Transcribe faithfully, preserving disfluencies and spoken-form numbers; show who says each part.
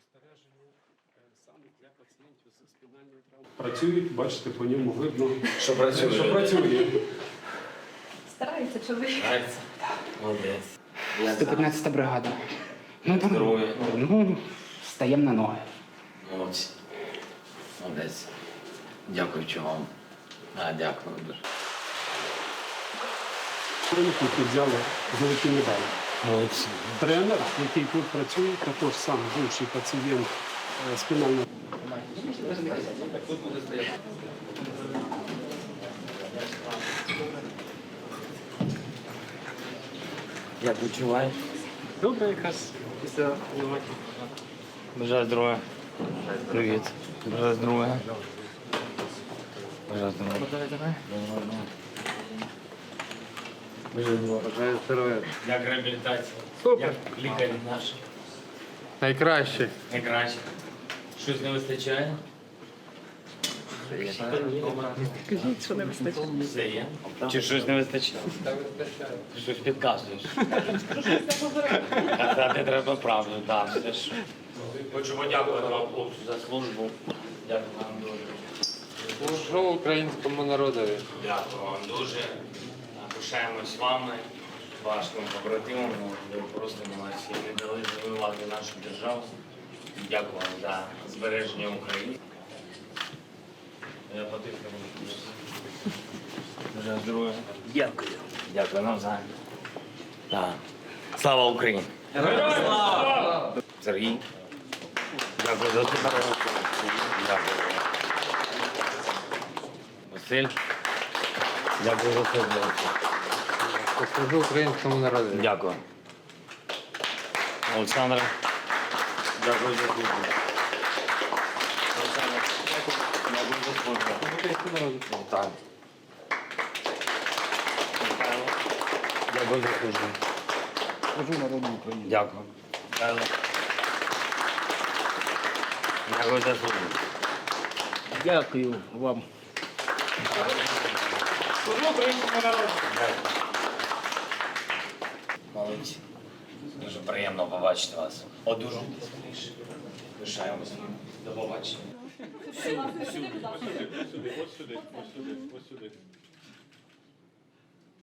Speaker 1: спостереження саме для пацієнтів з спінальною травмою. Працюють, бачите, по ньому видно,
Speaker 2: Що працює?
Speaker 1: що працює.
Speaker 3: Старається чоловік.
Speaker 2: Старається? Молодець.
Speaker 4: сто п'ятнадцята бригада. Ну, там,
Speaker 2: Здоров'я.
Speaker 4: ну, стаємо на ноги.
Speaker 2: Молодці. Молодець. Дякую вам. А, дякую дуже.
Speaker 1: Які взяли золоті медалі.
Speaker 2: Молодці.
Speaker 1: Тренер, який тут працює, також сам бувший пацієнт е, спінальної.
Speaker 2: Як відчуваєш?
Speaker 1: Добре, якраз після Єваки.
Speaker 2: Бажаю здоров'я. Привіт. Бажаю здоров'я. Бажаю здоров'я. Бажаю здоров'я.
Speaker 5: Бажаю здоров'я.
Speaker 2: Як реабілітація?
Speaker 5: Супер.
Speaker 2: Як лікарі наші?
Speaker 5: Найкраще.
Speaker 2: Найкраще. Щось не вистачає?
Speaker 3: Кажіть, що не вистачає.
Speaker 2: Все є. Чи щось не вистачає? Ти щось підказуєш. Казати треба правду, так. Все ж. Хочу подякувати вам, хлопцю, за службу. Дякую вам дуже.
Speaker 5: Служу українському народові.
Speaker 2: Дякую вам дуже. Пишаємось вами, вашим побратимом. Ви просто молодці. Не дали завоювати нашу державу. Дякую вам за збереження України. Я потихну. Бажаю здоров'я. Дякую. Дякую нам за. Так. Слава Україні! Героям слава! Сергій. Дякую за слухання. Дякую. Василь. Дякую за службу.
Speaker 5: Служу українському народові.
Speaker 2: Дякую. Олександр. Дякую за службу. Олександр. Дякую за службу. Так. Михайло. Дякую за службу.
Speaker 4: Служу народу України.
Speaker 2: Дякую. Михайло. Дякую за службу.
Speaker 4: Дякую вам.
Speaker 2: Молодці. Дуже приємно побачити вас. Одужуйте скоріше. Пишаємось. До побачення.
Speaker 1: Ось сюди, ось сюди, ось сюди, ось сюди, ось сюди.